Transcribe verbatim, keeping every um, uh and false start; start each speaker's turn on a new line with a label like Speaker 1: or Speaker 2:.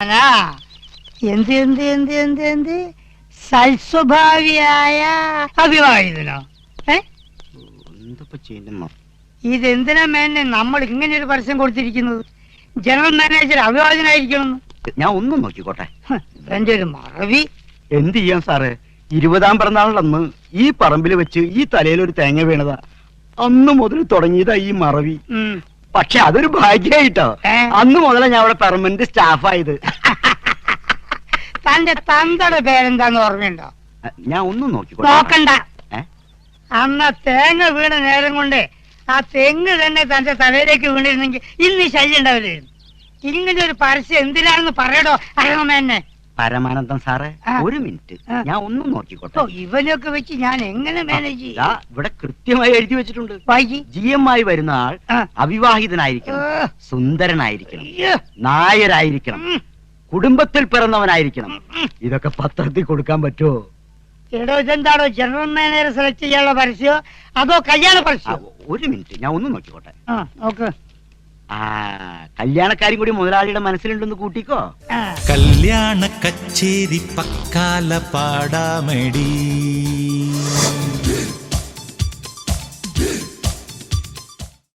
Speaker 1: മോനാ. എന്ത് എന്ത് എന്ത് എന്ത് എന്ത് സൽസ്വഭാവിയായ അഭിവാഹിതനോ? ഏ ഇതെന്തിനാ മേനെ നമ്മൾ ഇങ്ങനെ ഒരു പരസ്യം കൊടുത്തിരിക്കുന്നത്? ജനറൽ മാനേജർ അഭിവാഹിതനായിരിക്കണം.
Speaker 2: ഞാൻ ഒന്നും നോക്കിക്കോട്ടെ.
Speaker 1: എന്റെ ഒരു മറവി.
Speaker 2: എന്ത് ചെയ്യാൻ സാറ്, ഇരുപതാം പിറന്നാളിലന്ന് ഈ പറമ്പിൽ വെച്ച് ഈ തലയിൽ ഒരു തേങ്ങ വീണതാ. അന്ന് മുതൽ തുടങ്ങിയതാ ഈ മറവി. പക്ഷെ അതൊരു ഭാഗ്യായിട്ടോ, അന്ന് മുതലേ ഞാൻ അവിടെ പെർമനന്റ് സ്റ്റാഫായത്.
Speaker 1: തന്റെ തന്തയുടെ പേരെന്താന്ന് ഓർമ്മയുണ്ടോ?
Speaker 2: ഞാൻ ഒന്നും നോക്കിക്കോട്ടെ.
Speaker 1: നോക്കണ്ട. അന്ന് തേങ്ങ വീണ നേരം കൊണ്ട് ആ തെങ്ങ് തന്നെ തന്റെ തലയിലേക്ക് വീണിരുന്നെങ്കിൽ ഇന്ന് ഈ ശല്യം ഉണ്ടാവില്ലായിരുന്നു. ഇങ്ങനെ ഒരു പരസ്യം എന്തിനാണെന്ന് പറയടോ അഴകമേന്നെ.
Speaker 2: പരമാനന്ദം സാറേ, ഒരു മിനിറ്റ്, ഞാൻ ഒന്നും നോക്കിക്കോട്ടെ.
Speaker 1: ഇവനൊക്കെ വെച്ച് ഞാൻ എങ്ങനെ മാനേജ് ചെയ്യും?
Speaker 2: ഇവിടെ കൃത്യമായി എഴുതി വെച്ചിട്ടുണ്ട്. ജി എം ആയി വരുന്ന ആൾ അവിവാഹിതനായിരിക്കണം, സുന്ദരനായിരിക്കണം, നായരായിരിക്കണം, കുടുംബത്തിൽ പിറന്നവനായിരിക്കണം. ഇതൊക്കെ പത്രത്തിൽ കൊടുക്കാൻ പറ്റുമോ?
Speaker 1: എടോ, ഇതെന്താണോ ജനറൽ മാനേജർ സെലക്ട് ചെയ്യാനുള്ള പരസ്യോ അതോ കല്യാണ പരസ്യോ?
Speaker 2: ഒരു മിനിറ്റ്, ഞാൻ ഒന്നും നോക്കിക്കോട്ടെ.
Speaker 1: നോക്ക്.
Speaker 2: ആ കല്യാണക്കാരും കൂടി മുതലാളിയുടെ മനസ്സിലുണ്ടെന്ന് കൂട്ടിക്കോ.
Speaker 3: കല്യാണ കച്ചേരി പക്കാല പാടാമടി.